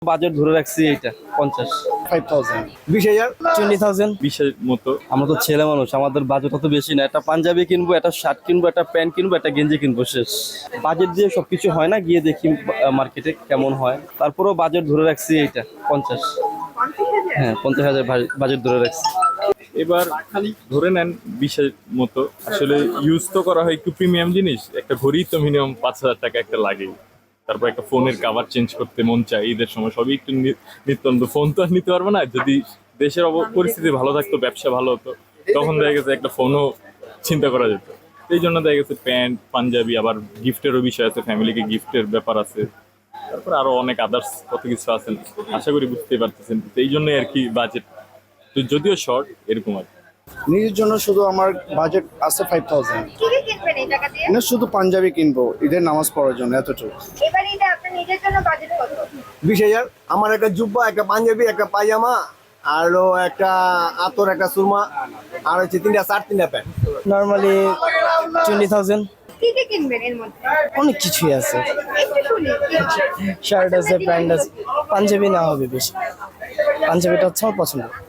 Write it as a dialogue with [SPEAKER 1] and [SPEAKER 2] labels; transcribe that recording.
[SPEAKER 1] Budget ধরে রাখছি এইটা 50
[SPEAKER 2] 5,000 20,000
[SPEAKER 1] 20,000
[SPEAKER 3] 20-এর মতো।
[SPEAKER 1] আমরা তো ছেলে মানুষ, আমাদের বাজেট অত বেশি না। একটা পাঞ্জাবি কিনবো, একটা শার্ট কিনবো, একটা প্যান্ট কিনবো, একটা গেঞ্জি কিনবো, শেষ। বাজেট দিয়ে সবকিছু হয় না, গিয়ে দেখি মার্কেটে কেমন হয়। তারপরেও বাজেট ধরে রাখছি এইটা 50। হ্যাঁ, 50,000 বাজেট ধরে রাখছি।
[SPEAKER 3] এবার ধরে নেন 20-এর মতো। আসলে ইউজ তো করা হয় একটু প্রিমিয়াম জিনিস, একটা ঘড়ি তো মিনিমাম 5,000 টাকা একটা লাগে। তারপর একটা ফোনের কাভার চেঞ্জ করতে মন চায়, ঈদের সময় সবই একটু নিত্যন্ত। ফোন তো আর নিতে পারবো না, যদি দেশের পরিস্থিতি ভালো থাকতো, ব্যবসা ভালো হতো, তখন দেখা গেছে একটা ফোনও চিন্তা করা যেত। এই জন্য দেখা গেছে প্যান্ট পাঞ্জাবি, আবার গিফটেরও বিষয় আছে, ফ্যামিলিকে গিফটের ব্যাপার আছে, তারপর আরো অনেক আদার্স কত কিছু আছেন, আশা করি বুঝতেই পারতেছেন। তো এই জন্যই আর কি বাজেট তো যদিও শর্ট এরকম আর কি।
[SPEAKER 2] নিজের জন্য শুধু আমার বাজেট আছে 5,000।
[SPEAKER 4] কি কি কিনবেন এই টাকা দিয়ে?
[SPEAKER 2] না, শুধু পাঞ্জাবি কিনবো ঈদের নামাজ পড়ার জন্য, এতটুকু।
[SPEAKER 4] এবার ঈদে আপনার নিজের জন্য বাজেট কত?
[SPEAKER 2] 20,000।
[SPEAKER 5] আমার একটা জুব্বা, একটা পাঞ্জাবি, একটা পায়জামা, আরো একটা আতর, একটা সুরমা, আর হচ্ছে তিনটা শার্ট, তিনটা প্যান্ট।
[SPEAKER 6] নর্মালি 20,000।
[SPEAKER 4] কি কি কিনবেন এর মধ্যে?
[SPEAKER 6] অনেক কিছুই আছে,
[SPEAKER 4] একটু শুনি কি কি?
[SPEAKER 6] শার্ট আছে, প্যান্ট আছে, পাঞ্জাবি না হবে বেশি, পাঞ্জাবিটা হচ্ছে আমার পছন্দ।